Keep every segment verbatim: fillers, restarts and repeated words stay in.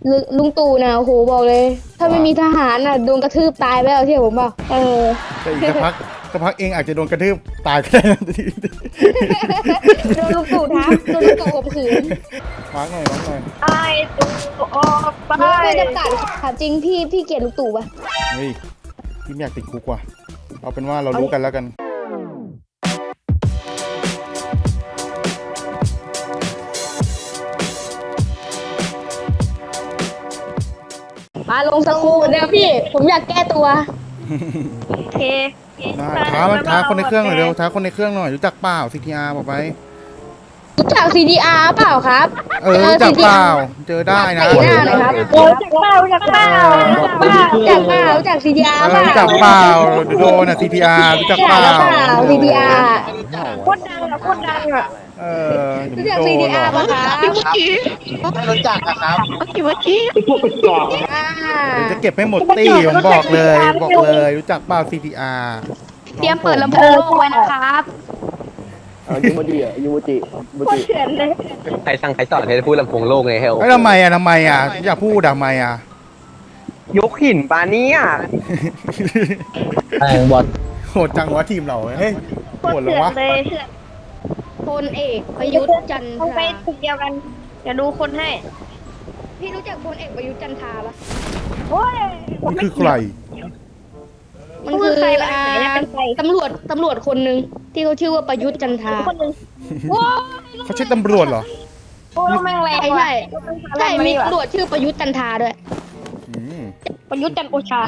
ลุลุงตู่นะโอ้โหบอกเลย ถ้าไม่มีทหารน่ะโดนกระทืบตายไปแล้วเที่ยวผมเปล่าเออแต่อีกสักพักสักพักเองอาจจะโดนกระทืบตายก็ได้นะโดนลุงตู่ทับโดนลุงตู่ข่มขืนมาร์กหน่อยมาร์กหน่อยไอ้ตูออกไปไม่จำกัดถามจริงพี่พี่เกลียดลุงตู่ปะเฮ้ยพี่ไม่อยากติดคุกว่ะเอาเป็นว่าเรารู้กันแล้วกันมาลงสกูเดี๋ยวพี่ ผมอยากแก้ตัวโอเคได้ท้ามันท้าคนในเครื่องหน่อยเร็วท้าคนในเครื่องหน่อยรู้จักเปล่า ซี ที อาร์ บอกไปรู้จัก ซี ดี อาร์ เปล่าครับเออรู้จักเปล่าเจอได้นะใส่หน้าหน่อยครับโอ้จากเป้าจากเป้าจากเป้ารู้จักเปล่ารู้จัก ซี ดี อาร์เอเปอล่ารู้จักเปล่าเดี๋ยวโดนอ่ะ ซี ที อาร์ รู้จักเปล่าซี ดี อาร์โคตรดังอะโคตรดังอะเออเดี๋รู้ยวจักโดซีนดีหรอาอร์ ป่ะครับไม่รู้จักอะครับอ่าเดี๋ยวจะเก็บให้หมดตี้ผมบอกเลยบอกเลยรู้จักเปล่า ซี ที อาร์เตรียมเปิดลำโพงไว้นะครับยูโมจิอ่ะยูโมจิยูโมโคตรจิเถื่อนเลยใครสั่งใครสอนให้พูดลำโพงโลกไงเฮลไอ้ยทำไมอ่ะทำไมอ่ะอยากพูดทำไมอ่ะยกหินปาเนี่ยแองบอลโหดจังวะทีมเราเฮ้ยโคโหตดรเลเถื่ยอนวะเลยเถื่อนพลเอกประยุทธ์จันทต้องไปราตึกเดียวกันเดี๋ยวดูคนให้พี่รู้จักพลเอกประยุทธ์จันทราปะโอ้ยมันคือใครมันคือใครบ้างอ่าไหนจะเป็นใครตำรวจตำรวจคนหนึ่งที่เขาชื่อว่าประยุทธ์จันทราคนหนึ่งโอ้ยเขาใช่ตำรวจเหรอโอ้ยแม่งแรงใช่ว่ะใช่ มีตำรวจชื่อประยุทธ์จันทราด้วยอืมประยุทธ์จันทร์โอชาร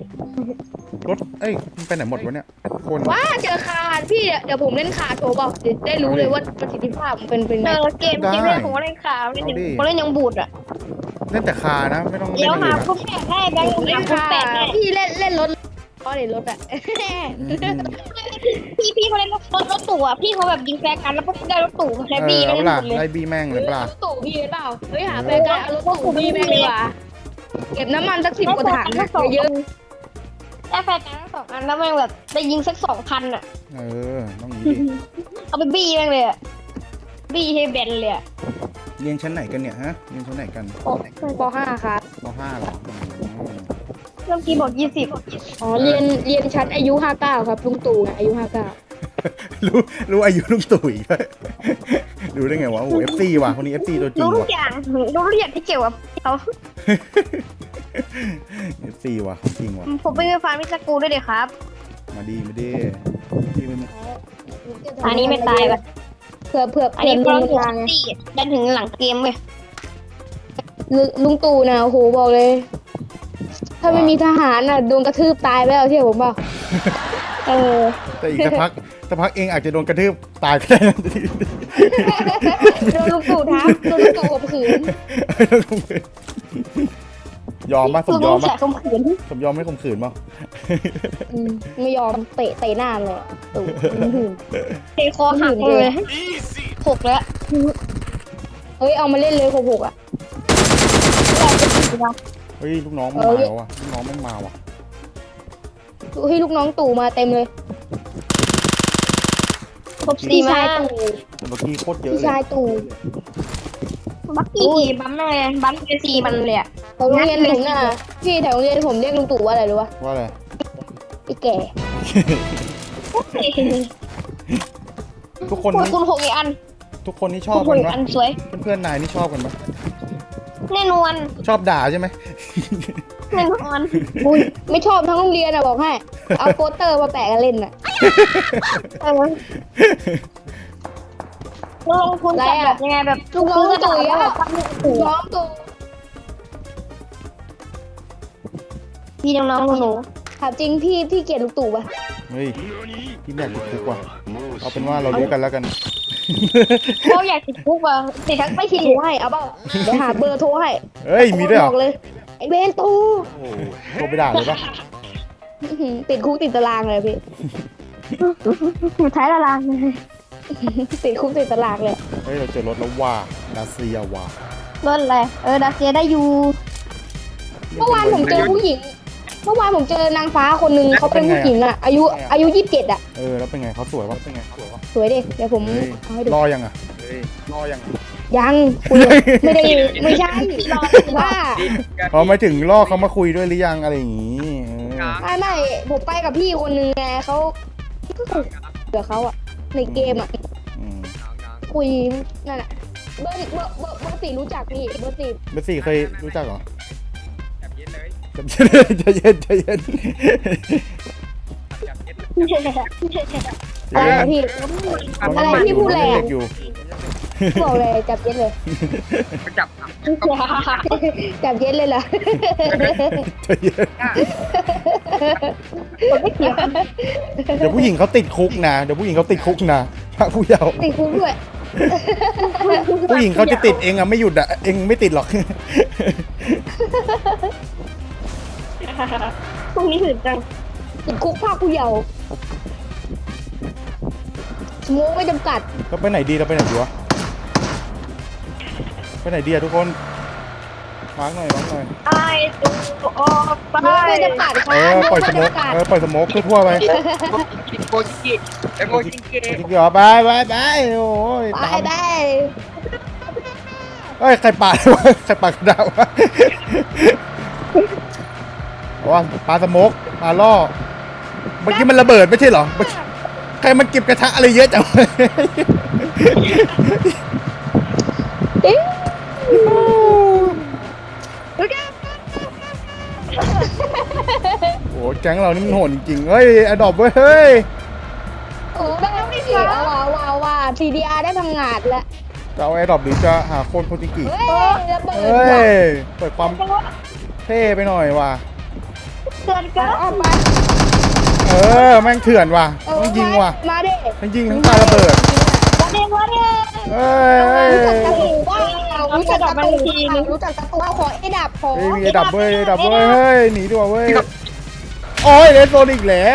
ถเอ้ยมันไปไหนหมดวะเนี่ยคนว้าเจอคาร์พี่เดี๋ยวผมเล่นคาร์โชว์บอกเดี๋ยวได้รู้เลยว่าประสิทธิภาพมันเป็นเป็นไงเจอเกมจริงเลยผมก็เล่นข่าวเล่นผมเล่นยังบูดอ่ะเล่นแต่คานะไม่ต้องเล่เดี๋นยวอะไรหานะคุณแปดได้แบงค์ผมเล่เล่นนคุณคาแปดร์ได้พี่เล่นเล่นรถก็เล่นรถอะอืมพี่พี่เขาเล่นรถรถตู่อ่ะพี่เขาแบบยิงแฟร์กันแล้วก็ได้รถตู่แคเอบี้อได้เอาหล่ะมดเลยไล่บีแม่งเลยเปล่ารถตู่พี่เปล่าเฮ้ยหาแฟนกันเอารถตู่พี่แม่งดีกว่าเก็บน้ำมันสักสิบกว่าถังนะเยอะได้แฟร์กันทั้งสองอันแล้วแม่งแบบได้ยิงสักสองพันอ่ะเออต้องอย่างนี้ดิเอาไปบี้แม่งเลยอ่ะบี้ให้แบนเลยอ่ะเรียนชั้นไหนกันเนี่ยฮะเรียนชั้นไหนกันปห้าครับปห้าเหรออืมเริ่มกี้บอกยี่สิบอ๋อเรียนเรียนชั้นอายุห้าเก้าครับลุงตู่อายุห้าเก้ารู้รู้อายุลุงตู่อีกด้วยรู้ได้ไงวะโอ้เอฟซีว่ะคนนี้เอฟซีตัวจริรู้งทุกว่ะอย่างรู้ทุกอย่างที่เกี่ยวกับเขาเอฟซีว่ะจริงว่ะผมไปฟาร์มมิสกูด้วยเดี๋ยวครับมาดีมาดีพี่ไม่อันนี้ไม่ตายป่ะเผื่อเผื่ออันเผื่อนี้ลุก็งถึงทางไงสี่ดันถึงหลังเกมเลยลุลุงตู่นะโอ้โหบอกเลย ถ้าไม่มีทหารน่ะโดนกระทืบตายไปแล้วเที่ยวผมเปล่าเออแต่อีกสักพักสักพักเองอาจจะโดนกระทืบตายก็ได้นะโดนลุงตู่ทับโดนลุงตู่ข่มขืนยอมป่ะสลุมงยอมแฉป่ะข่มขืนสมยอมไม่ข่มขืนป่ะอืมไม่ยอมเตะเตะหน้าเลยตู่หืมเทคอหักเลยหกแล้วเฮ้ยเอามาเล่นเลยหกหกอ่ะเฮ้ยลูกน้องมันมาแล้วว่ะลูกน้องมันมาว่ะเฮ้ยลูกน้องตู่มาเต็มเลยครบสี่พี่มาชายตู่แต่เมื่อกี้โคตรเยอะพี่เลชายยตู่บักกี้บัมเลยบัมเป็นสี่มันเลยอ่ะแถวโรงเรียนผมน่ะพี่แถวโรงเรียนผมเรียกลุงตู่ว่าอะไรรู้ปะว่าอะไรไอ้แก่ทุกคนคุณนี่คุณหกอีกอันทุกคนนี่ชคุอบณหกักนอีกปะอันสวยเพื่อนๆนายนี่ชอบกันปะแน่นอนชอบด่าใช่ไหมแน่นอนอุ้ยไม่ชอบทั้งโรงเรียนอ่ะบอกให้เอาโปสเตอร์มาแปะกันเล่นอ่ะเออลงทุนจัดแบบยังไงแบบลูกน้องตู่อ่ะตู่น้องตู่พี่น้องๆหนูถามจริงพี่พี่เกลียดลุงตู่ปะเฮ้ยพี่ไม่อยากติดคุกว่ะเอาเป็นว่าเรารู้กันแล้วกันๆเขาอยากติดคุกว่ะติดทั้งไม่ไม่คิคิดดโทรให้เอาเปล่าเดี๋ยวหาเบอร์โทรให้เฮ้ยมีด้วยเหรบออกเลยไอ้เบนตู่โอ้โหโทรไปด่าเลยปะอื้อหือติดคุกติดตารางเลยพี่อยู่ท้ายตารางเลยติดคุกติดตารางเลยเฮ้ยเราเจอรถแล้วว่าดาเซียว่ารถอะไรเออดาเซียได้อยู่เมื่อวานผมเจอผู้หญิง เมื่อวานผมเจอนางฟ้าคนหนึ่งเขาเป็นผู้หญิงอ่ะ อายุอายุยี่สิบเจ็ดอ่ะเออแล้วเป็นไงเขาสวยปะเป็นไงเขาสวยปะสวยดิเดี๋ยวผมเฮ้ยเอาให้ดูรอยังอ่ะเฮ้ยรอยังอะยังคุยไม่ได้ไม่ใช่ว่าพอมาถึงล่อเขามาคุยด้วยหรือยังอะไรอย่างงี้เออไม่ไม่ผมไปกับพี่คนนึงไงเขาก็คุยกับเขาอะในเกมอะอืมคุยนั่นแหละเบอร์เบอร์เบอร์เบอร์สี่รู้จักพี่เบอร์สี่เบอร์สี่เคยรู้จักเหรอจับเย็นเลยใจเย็นใจเย็นจับเย็นอะไรอะพี่น้องอะไรยังพี่พูดแรงเด็กอยู่บอกเลยจับเย็นเลยจับจับเย็นเลยเหรอใจเย็นผมไม่เกี่ยวเดี๋ยวผู้หญิงเขาติดคุกนะเดี๋ยวผู้หญิงเขาติดคุกนะพระผู้เยาว์ติดคุกด้วยผู้หญิงเขาจะติดเองอะไม่หยุดอะเองไม่ติดหรอกพรุ่งนี้ถึงจังติดคุกภาคผู้เยาว์สมองไม่จำกัดเราไปไหนดีเราไปไหนดีวะไปไหนดีอะทุกคนมาร์กหน่อยมาร์กหน่อยไอ้ตัวออกไปสมองไม่จำกัดครัเอบ อปล่อยสไม่โมกจำกัดเออปล่อยสโมกทั่วๆไปโกจิกิไอโกจิกิจริงเหรอไปไปไปโอ้ยไปตามไปเอ้ยใครปาดวะใครปาดกระดาษวะว่าปลาสโมกปลาล่อเมื่อกี้มันระเบิดไม่ใช่เหรอเมื่อกี้ใครมันเก็บกระทะอะไรเยอะจังเอ๊ะโอ้แก๊งเรานี่มันโหดจริงๆเฮ้ยอดอบเว้ยเฮ้ยโอ้ได้ไม่ดีเอาว่าว้าวว่า ซี ดี อาร์ ได้พังงาดแล้วจะเอาไอ้ดอบหรือจะหาโคนโคจิกิเฮ้ยระเบิดเฮ้ว่ะยเปิดความเท่ไปหน่อยว่ะเกินเกินเอาไปเออแม่งเถื่อนว่ะเออต้องยิงว่ะมาดิทั้งยิงทั้งปาระเบิดวันนี้วันนี้เฮ้ยเฮ้ยรู้จักตะตูบ้างรู้จักตะตูรู้จักตะตูขอไอ้ดับขอเฮ้ยมีไอ้ดับเว้ยไอ้ดับเว้ยเฮ้ยหนีดีกว่าเว้ยโอ้ยเลนโซนอีกแล้ว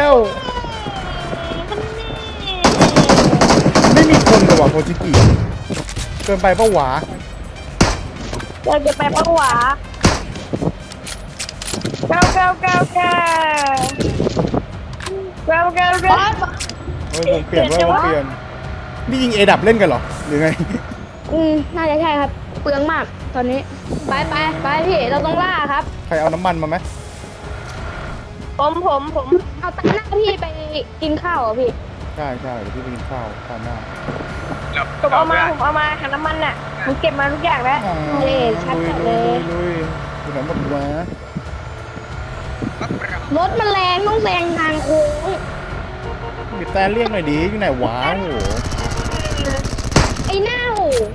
ไม่มีคนเลยว่ะโคจิกิเกินไปปะหวาเดินไปปะหวาเก้าเก้าเก้าเก้าเก้าเก้าเก้าเฮ้ยวงเปลี่ยนเว้ยวงเปลี่ยนนี่ยิงเอดับเล่นกันเหรอหรือไงอืมน่าจะใช่ครับ เปลืองมากตอนนี้ ไปไปไปพี่ เราต้องล่าครับใครเอาน้ำมันมาไหมผมผมผมเอาตังหน้าพี่ไปกินข้าวเหรอพี่ใช่ใช่เดี๋ยวพี่ไปกินข้าวข้าวหน้าผมเอามาผมเอามาหาน้ำมันน่ะผมเก็บมาทุกอย่างแล้วเย้ชัดจัดเลยลุยลุยไหนหมดวะรถมันแรงต้องแซงทางโค้งบิดแต่เรียกหน่อยดิอยู่ไหนวะโอ้โหไอ้เน่า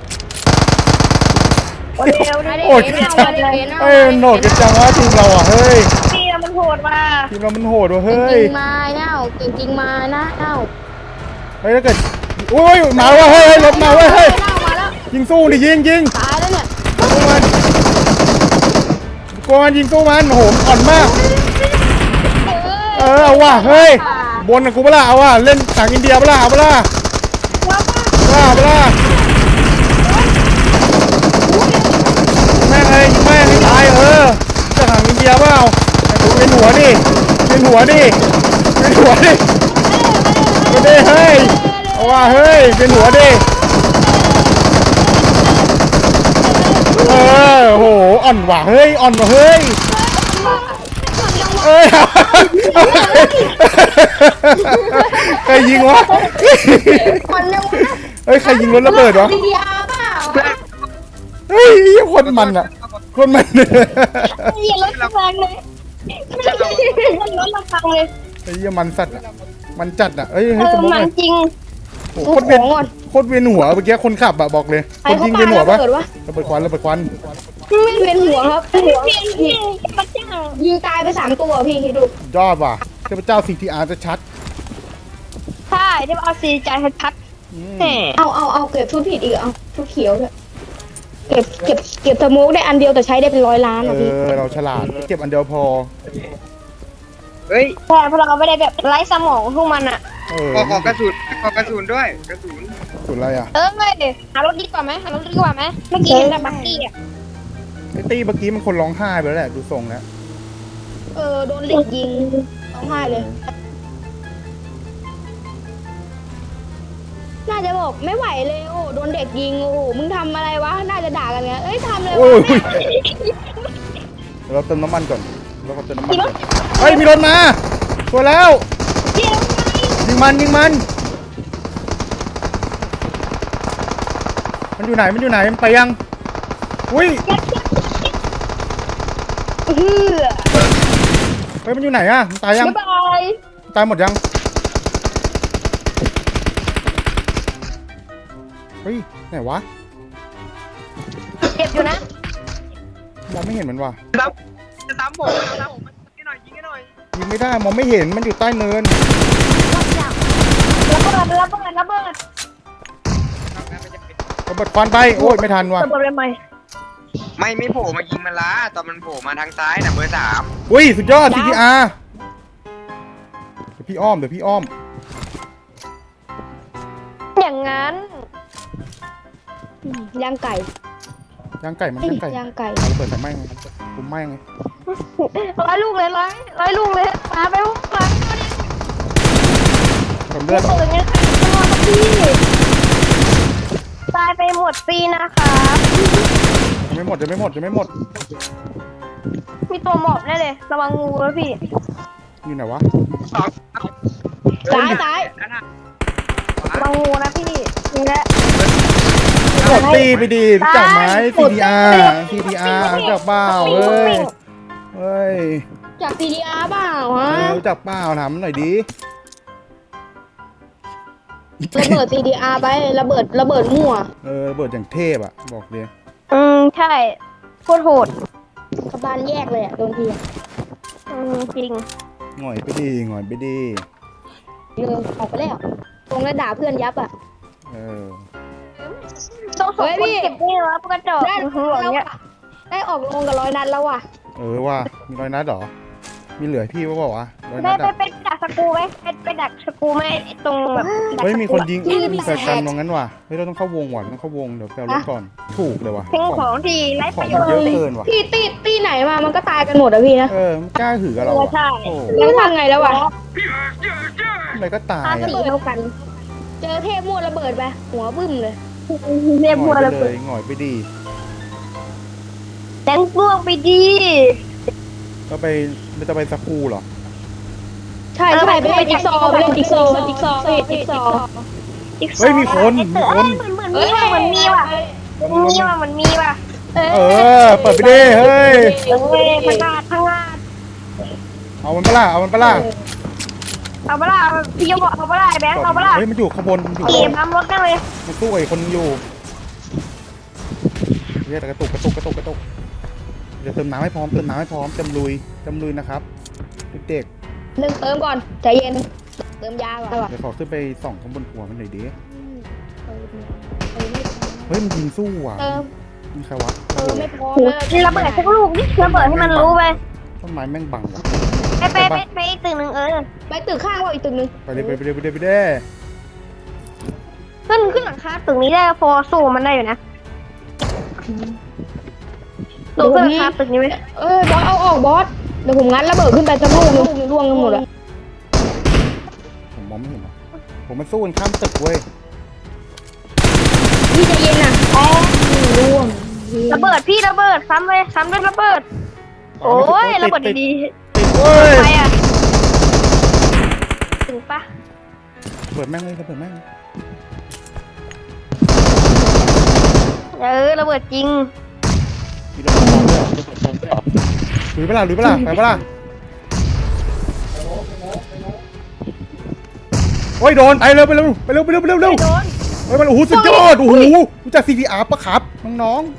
โอเร็วมาดิดิโอ้ยเน่ามาดิเน่าเอ้ยโหดกันจังวะทีมเราอ่ะเฮ้ยพี่มันโหดว่ะทีมเรามันโหดว่ะเก่งเฮ้จยริงมาเน่าเก่งจริงมานะเน่าเฮ้ยถ้าเกิดโอ้ยมาว่ะเฮ้ยเฮ้ยรถมาเว้ยเฮ้ยเน่ามาแล้วยิงสู้ดิยิงยิงตายแล้วเนี่ยสู้มันกวนยิงสู้มันโหมอ่อนมาก เออเอาว่ะเฮ้ยบนกับกูเปะล่าเอาว่ะเล่นต่างอินเดียเปะล่าเอาเปะล่าเปล่าเปล่าแม่งเลยยิงแม่งให้ตายเออจะต่างอินเดียเปล่าเป็นหัวดิเป็นหัวดิเป็นหัวดิเป็นดิเฮ้ยเอาว่ะเฮ้ยเป็นหัวดิเออโหอ่อนว่ะเฮ้ยอ่อนว่ะเฮ้ยเอ้ยใครยิงวะคนยังวะเฮ้ยใครยิงรถระเบิดวะซีดีอาร์เปล่าเฮ้ยคนมันอ่ะคนมันเหยียบรถแรงเลยรถระพังเลยไอ้เหี้ยมันสัตว์อะมันจัดอ่ะเฮ้ยเอให้สอมมติมัหนน่อยจริงโอ้โหโคตรเวียนโคตรเวียนหัวเมื่อกี้คนขับอะบอกเลยใครคนเขายิงปาเวียนหัวปะระเบิดวะระเบิดควันระเบิดควันไม่เวียนหัวครับหัวเพียงเพียงมันจังยิงตายไปสามตัวพี่คิดดูยอดว่ะเทพเจ้า ซี ที อาร์ จะชัดใช่ที่เอาซีใจชัดอืมแหมเอาเอาเอาเก็บชุดผิดอีกเอาชุดเขียวด้วยเก็บเก็บเก็บสโมกได้อันเดียวแต่ใช้ได้เป็นร้อยล้านเออ่ะพี่อเราฉลาดเก็บอันเดียวพอเฮ้ยแต่พอเราไม่ได้แบบไร้สมองพวกมันอ่ะเออขอขอกระสุนขอกระสุนด้วยกระสุนสุดอะไรอ่ะเออไม่หารถดีกว่าไหมหารถดีกว่าไหมเมื่อกี้เห็นแต่บักกี้อ่ะไอ้ตี้เมื่อกี้มันคนร้องไห้ไปแล้วแหละดูทรงแล้วเออโดนเหล็กยิงร้องไห้เลยน่าจะบอกไม่ไหวเลยโอ้โดนเด็กยิงโอ้โหมึงทำอะไรวะน่าจะด่ากันไงเอ้ยทำอะไรโอ้วะยเดี๋ยวเราเติมน้ำมันก่อนเราก็เติมน้ำมันก่อนเฮ้ยมีรถมาตัวแล้วเดี๋ยวยิงมันยิงมันมันอยู่ไหนมันอยู่ไหนมันไปยังอุ้ยเฮือเฮ้ยมันอยู่ไหนอะมันตายยังบ๊ายบายตายหมดยังเฮ้ยไหนวะเจ็บอยู่นะมองไม่เห็นมันว่ะซ้ำจะซ้ำผมจะซ้ำผมยิงให้หน่อยยิงให้หน่อยยิงไม่ได้มองไม่เห็นมันอยู่ใต้เนินระเบิดระเบิดระเบิดครับงั้นมันจะเป็นระเบิดควันไปโอ้ยไม่ทันว่ะระเบิดเลยไหมไม่ไม่โผล่มายิงมันละตอนมันโผล่มาทางซ้ายน่ะเบอร์สามอุ้ยสุดยอด ซี ที อาร์ เดี๋ยวพี่อ้อมเดี๋ยวพี่อ้อมอย่างนั้นย่างไก่ย่างไก่มันเอ้ยย่างไก่ย่างไก่เอาระเบิดใส่ไหม้ไงผมไหม้ไงร้อยลูกเลยร้อยร้อยลูกเลยมาไปปุ๊บมาผมเลือดเปิดเงี้ยตลอดพี่ตายไปหมดปีนะคะยังไม่หมดยังไม่หมดยังไม่หมดมีตัวหมอบแน่เลยระวังงูนะพี่อยู่ไหนวะสองซ้ายซ้ายนั่นน่ะระวังงูนะพี่นี่แหละกดตีไปดีรู้จักไหม ซี ที อาร์ ซี ที อาร์ รู้จักเปล่าเฮ้ยเฮ้ยจาก ซี ดี อาร์ เปล่าฮะเออรู้จักเปล่าถามหน่อยดิระเบิด ซี ดี อาร์ ไประเบิดระเบิดมั่วเออระเบิดอย่างเทพอ่ะบอกเลยอืมใช่โคตรโหดกระบาลแยกเลยอะโดนทีอะอืมจริงหน่อยไปดีหน่อยไปดีเลยออกไปแล้วตรงแล้วด่าเพื่อนยับอ่ะเออต้องส่งเฮ้ยคพี่นเก็บนี่แล้วกระจอกได้หัวอย่างเงี้ยได้ออกลงกับร้อยนัดแล้วว่ะเออว่ามีร้อยนัดเหรอมีเหลือพี่ว่าบอกวะร้อยได้นัดไปอะไปดักสกรูไหมไปไปดักสกรูไหมตรงแบบดักเฮ้ยสมีกรูคนยิงที่มีแฟนกันตรงนั้นว่ะเฮ้ยเราต้องเข้าวงว่ะต้องเข้าวงเดี๋ยวแปลรถก่อนถูกเลยว่ะทิ้งของทีไร้ขปองระโยมันชน์เยอะเกินว่ะที่ตีตีไหนมามันก็ตายกันหมดอะพี่นะเออมันกล้าหือกับเราเอออะใช่โอ้แล้วทำไงแล้ววะอะไรก็ตายตาอะสีเท่ากันเจอเทพมั่วระเบิดไปหัวบึ้มเลยเรียบหบังวอยไประเลเบิดยหงอยไปดีแตงพวกไปดีก็ไปไม่จะไปสกูเหรอใช่ใช่ไปเล่นจิ๊กซอว์ไปเล่นจิ๊กซอว์จิ๊กซอว์พี่จิ๊กซอว์เฮ้ยมีคนมีคนเหมือนเหมือนมีว่ะเหมือนมีว่ะเหมือนมีว่ะเหมือนมีว่ะเอเออเปิดไปดิเฮ้ยเฮ้ยพังงาดพังงาดเอามันปะล่ะเอามันปะล่ะเอาเปล่าพี่จะบอกเอาเปล่าแบงค์เอาเปล่าเฮ้ยมันอยู่ข้างบนมันอยู่ขี่ข้างบนปั๊มรถนั่งเลยมันสู้กับอีกคนนึงอยู่เฮ้ยแต่กระตุกกระตุกกระตุกกระตุกเดี๋ยวเติมน้ำให้พร้อมเติมน้ำให้พร้อมเต็มลุยเต็มลุยนะครับเด็กหนึ่งเติมก่อนใจเย็นเติมยาก่อนๆเดี๋ยวขอขึ้นไปส่องข้างบนหัวมันหน่อยดิเฮ้ยมันยิงสู้ว่ะเติมมีใครวะเติมไม่พอโหระเบิดสักลูกนี่ระเบิดให้มันรู้ไปต้นไม้แม่งบังว่ะไปไปไปไปอีกตึกหนึ่งเออไปตึกข้างว่าอีกตึกนึงไปเลยไปเลยไปเลยไปเลยขึ้นขึ้นหลังคาตึกนี้ได้พอสู้มันได้อยู่นะลงขึ้นหลังคาตึกนี้ไหมเออบอสเอาออกบอสเดี๋ยวผมงัดระเบิดขึ้นไปสักลูกนึงร่วงกันหมดอะผมมองไม่เห็นหรอกผมมันสู้กันข้ามตึกเว้ยพี่ใจเย็นอะอ๋อร่วงระเบิดพี่ระเบิดซ้ำเลยซ้ำด้วยระเบิดโอ้ยระเบิดดีติดเว้ยๆไปอ่ะถึงปะเปิดแม่งเลยเปิดแม่งเลยเออระเบิดจริงมีระเบิดพร้อมด้วยหรือเปล่าหรือเปล่าไปเปล่าโอ้ยโดนไปเร็วไปเร็วไปเร็วไปเร็วไปเร็วเร็วโดนเฮ้ยมันโอ้โหสุดยอดโอ้โหรู้จัก ซี ที อาร์ ปะครับน้อง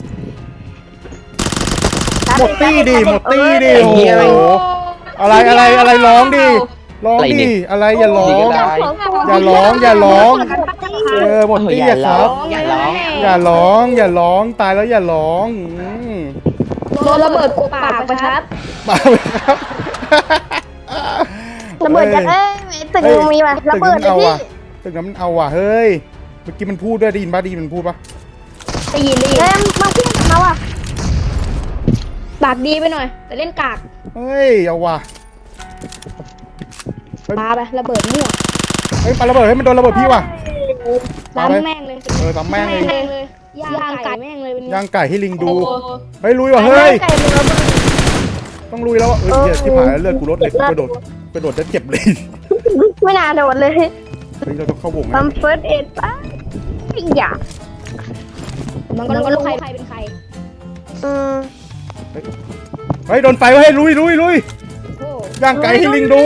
ๆหมดตี้ดิหมดตี้ดิโอ้โหอะไรอะไรอะไรร้องดิร้องดิอะไรอย่าร้อง อย่าร้องอย่าร้อง เออหมดตี้อะครับอย่าร้องอย่าร้องอย่าร้องตายแล้วอย่าร้องอืมโดนระเบิดกบปากประชัดมาเลยครับระเบิดจากเอ้ยตึกนึงมีป่ะระเบิดเลยพี่ตึกนั้นมันเอาว่ะเฮ้ยเมื่อกี้มันพูดด้วยได้ยินป่ะได้ยินมันพูดป่ะได้ยินได้ยินเอ้ยมาเพื่อนเขาอ่ะปากดีไปหน่อยแต่เล่นกากเฮ้ยเอาว่ะปาไประเบิดมั่วเฮ้ยปาระเบิดให้มันโดนระเบิดพี่ว่ะซ้ำแม่งเลยเออตามแม่งเลยแม่งเลยย่างไก่แม่งเลยเป็นไงย่างไก่ให้ลิงดูโอ้โหเฮ้ยลุยว่ะเฮ้ยไก่มันระเบิดต้องลุยแล้วว่ะเออเหี้ยที่ผ่านแล้วเลือดกูลดเลยกูกระโดดกระโดดจะเจ็บเลยไม่น่าโดนเลยเฮ้ยเราต้องเข้าวงนะทำเฟิร์สเอ็ดป่ะไม่อยากมันก็รู้ใครเป็นใครอืมเฮ้ยโดนไฟไว้ให้ลุยลุยลุยโอ้ย่างไก่ให้ลิงดู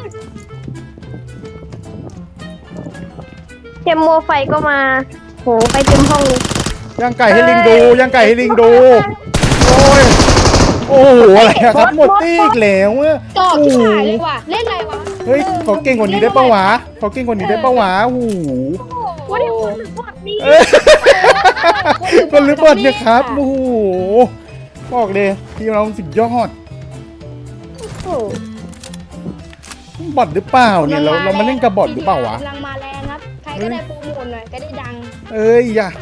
เทมโมไฟก็มาโหไปเต็มห้องเลยย่างไก่ให้ลิงดูย่างไก่ให้ลิงดูโอ้ยโอ้โหอะไรอะครับหมดตี้อีกแล้วอะจอกที่หายเลยว่ะเล่นอะไรวะเฮ้ยขอเก่งกว่านี้ได้ปะวะขอเก่งกว่านี้ได้ปะวะโอ้โหว่าที่คนถึงบอดนี่เอ้ยคนหรือบอดเนี่ยครับโอ้โหบอกเลยทีมเราสุดยอดโอ้บอดหรือเปล่าเนี่ยเราเรามาเล่นกับบอดหรือเปล่าวะกำลังมาแรงครับใครก็ได้โปรโมทหน่อยก็ได้ดังเอ้ยอย่า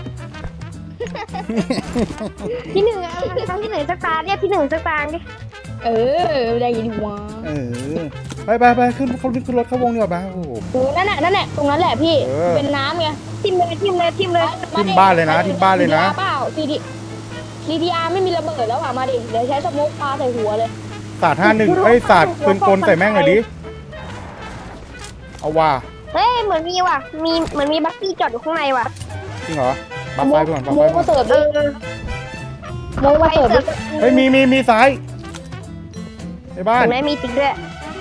ที่หนึ่งอะครั้งที่หนึ่งสักตาเรียกที่หนึ่งสักตาดิเออได้ยินวะเออไปไปไปขึ้นเขาขึ้นรถเข้าวงดีกว่าบ้าโอ้โหโอ้นั่นแหละนั่นแหละตรงนั้นแหละพี่เออเป็นน้ำไงทิมเลยทิมเลยทิมเลยทิ่มบ้านเลยนะทิ่มบ้านเลยนะเปล่าซีดีซีดีอาร์ไม่มีระเบิดแล้วอ่ะมาดิเดี๋ยวใช้สโมกปาใส่หัวเลยศาสตร์ห้าหนึ่งเอ้ยศาสตร์ปืนกลใส่แม่งหน่อยดิเอาว่าเฮ้ยเหมือนมีว่ะมีเหมือนมีบัคกี้จอดอยู่ข้างในว่ะจริงเหรอบัฟไฟไปก่อนบัฟโมไฟกก่อมาน เสิร์ฟเอด้วยอโมกมาเสิร์ฟด้วยเฮ้ยมีมีมีซ้ายในบ้านเห็นไหมมีติ๊กด้วย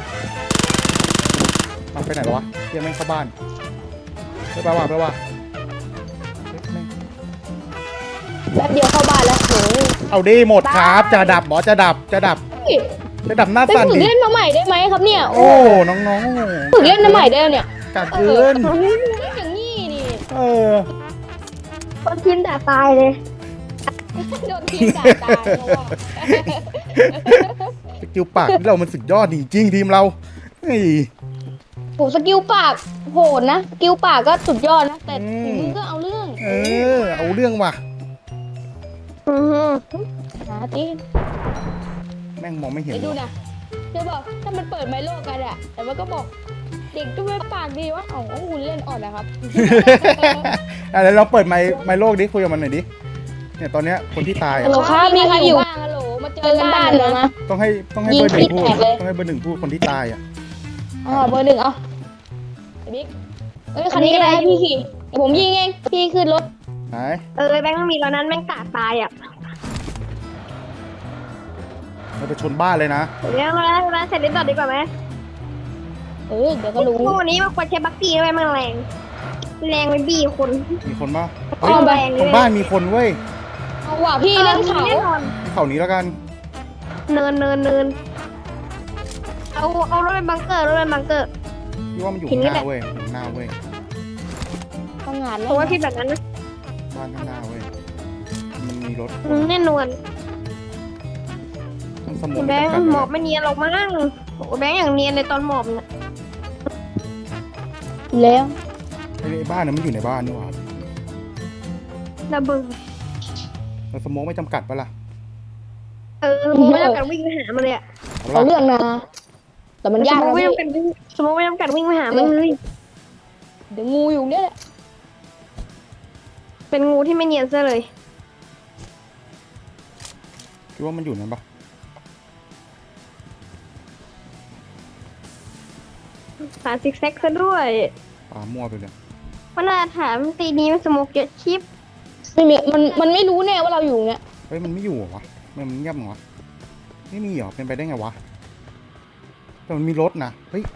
มันไปไหนแล้ววะเฮียแม่งเข้าบ้านไปไปว่ะไปว่ะเฮ้ยแม่งแป๊บเดียวเข้าบ้านแล้วโหเอาดีหมดครับจะดับหมอจะดับจะดับจะดับหน้าไปสั่นฝึกดิเล่นมาใหม่ได้ไหมครับเนี่ยโอ้น้องฝึกเล่นมาใหม่ได้เนี่ยๆกัดเกินเอออย่างนี้นี่เออคนทีมด่าตายเลยโดนทีมด่าตายเพราะว่าสกิลปากที่เรามันสุดยอดจริงๆทีมเราเฮ้ยโหสกิลปากโหดนะสกิลปากก็สุดยอดนะแต่ฝีมือก็เอาเรื่องเออเอาเรื่องว่ะอือหือหาตีแม่งมองไม่เห็นไปดูนะเดี๋ยวบอกถ้ามันเปิดไมโลกันอะแต่ว่าก็บอกเด็กก็ไม่ปากดีวะเอ้าคุณเล่นอ่อนนะครับอ่ะเดี๋ยวเราเปิดไมค์ไมค์โลกดิคุยกับมันหน่อยดิเนี่ยตอนเนี้ยคนที่ตายฮัลโหลอ่ะครับมีใครอยู่บ้างฮัลโหลมาเจอกันบ้านเลยนะต้องให้ต้องให้เบอร์หนึ่งพูดต้องให้เบอร์หนึ่งพูดคนที่ตายอ่ะอ๋อเบอร์หนึ่งเอาไอ้บิ๊กเอ้ยคันนี้ก็ได้พี่ขี่เดี๋ยวผมยิงเองพี่ขึ้นรถไหนเออแบงค์มันมีตอนนั้นแม่งกาดตายอ่ะเราไปชนบ้านเลยนะเดี๋ยวมาแล้วมาเสร็จเรียบร้อยดีกว่าไหมเออเดี๋ยวก็รู้พวกวันนี้มันควรใช้บัคกี้ด้วยมันแรงแรงไปบี้คนมีคนป่ะอ้เฮ้ยอมแรงเลยตรงบ้านมีคนเว้ยเอาว่ะพี่เล่นเขาแน่นอนที่เขานี้แล้วกันเนินเนินเนินเอาเอารถเป็นบังเกอร์รถเป็นบังเกอร์พี่ว่ามันอยู่ทีข้างนี้หแหน้าละเว้ยอยู่ข้างหน้าเว้ยตั้งงานเพแล้วราะว่าคิดแบบนั้นนะบ้านข้างหน้าเว้ยมันมีรถอืมแน่นอนต้องสมองแบงค์จำกัดหมอบไม่เนียนหรอกมั้งโอ้แบงค์อย่างเนียนในตอนหมอบน่ะแล้วไอ้ไอ้บ้านนั้นมันอยู่ในบ้านนี่หว่าระเบิดเราสมองไม่จำกัดปะล่ะเออผมไม่ต้องการวิ่งไปหามันเลยอะเอาเอาล่ะเรื่องนะแต่มันยากสมมนะติไม่พี่ต้องการวิ่งสมมติไม่ต้องการวิ่งไปหามันเลยเดี๋ยวงูอยู่เนี่ยแหละเป็นงูที่ไม่เนียนซะเลยคิดว่ามันอยู่นั้นปะขาซิกแซกซะด้วยปามั่วไปเลยว่าน่าถามตีนี้มันสโมกเยอะชิปไม่มีมันมันไม่รู้แน่ว่าเราอยู่เนี่ยเฮ้ยมันไม่อยู่เหรอวะมันเงียบเหรอวะไม่มีเหรอเป็นไปได้ไงวะแต่มันมีรถนะเฮ้ย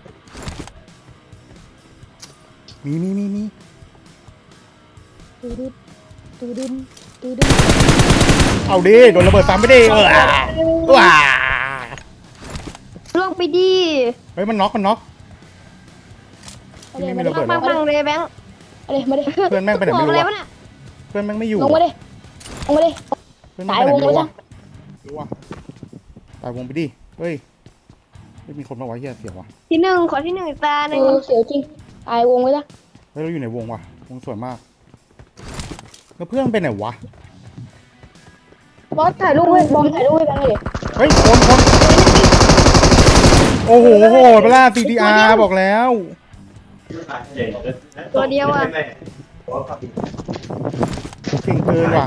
มีมีมีมีตูดึดตูดึนตูดึนเอาดิโดนระเบิดซ้ำไปดิเออว้าล่วงไปดีเฮ้ยมันน็อกมันน็อกเอาเลยไม่มามีดิระเบิดบังบังเลยแบงค์เอาเลยมาดิเพื่อนแม่งไปไหนบอไม่กรู้อะไรวะวะน่ะเพื่อนแม่งไม่อยู่ลงมาดิลงมาดิเพื่อนแม่งไปไหนไม่รู้ตายวงไว้วะจ้ะรู้วะตายวงไปดิเฮ้ยไม่มีคนมาไว้เหี้ยเสียววะที่หนึ่งขอที่หนึ่งอีกตาหเอนึ่งอเสียวจริงตายวงไว้จ้ะเฮ้ยเราอยู่ในวงว่ะวงสวยมากแล้วเพื่อนไปไหนวะบอสถ่ายรูปไว้บอมถ่ายรูปไว้กันเลยเฮ้ยคนคนโอ้โหโหดเปล่า ซี ที อาร์ บอกแล้วตัวเดียวอ่ะเก่งเกินว่ะ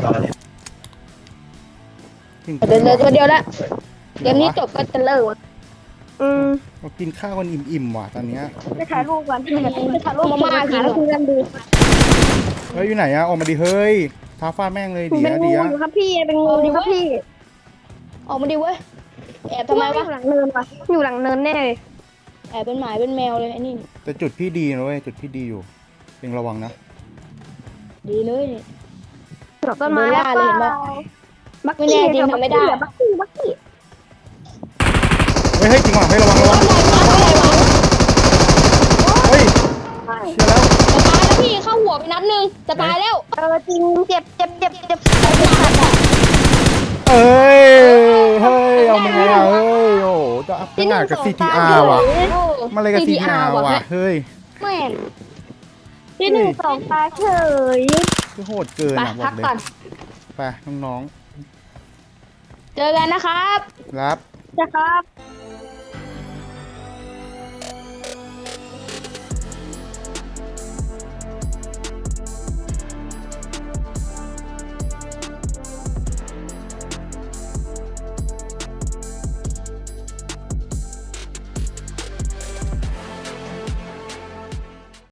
เก่งเดินเลยตัวเดียวละเกมนี้จบบก็จะเลิกว่ะอืมเรากินข้าวกันอิ่มๆว่ะตอนเนี้ยไปถ่ายรูปก่อนไปถ่ายรูปมาม่ากินแล้วคุยกันดูเฮ้ยอยู่ไหนอะออกมาดิเฮ้ยท้าฟาดแม่งเลยเป็นเดี๋ยวงูเดี๋ยวอยู่ครับพี่เป็นงูอยู่ครับพี่ออกมาดิเว้ยแอบทำไมอวะยู่หลังเนินวะอยู่หลังเนินแน่เลยแอบเป็นหมายเป็นแมวเลยไอ้นี่แต่จุดพี่ดีนะเว้ยจุดพี่ดีอยู่เองระวังนะดีเลยเนี่ยดอกต้นไม้โดนล่าเลยเห็นปะบักไม่แน่จริงทำไม่ได้บักกี้บักกี้เฮ้ยเฮ้ยจริงว่ะเฮ้ยระวังระวังเฮ้ยเชื่อแล้วจะตายแล้วพี่เข้าหัวไปนัดหนึงจะตายแล้วเออจริงเจ็บเจ็บเจ็บเจ็บเอ้ยเฮ้ยเอามาไงอะเฮ้ยโอ้โหจะอัพขนาดกับ ซี ที อาร์ ว่ะมาเลยกับ ซี ที อาร์ ว่ะเฮ้ยแม่งที่หนึ่งสองตาเฉยคือโหดเกินไปอ่ะบอพักกเลยก่อนไปน้องเจอกันนะครับๆรับนะครับ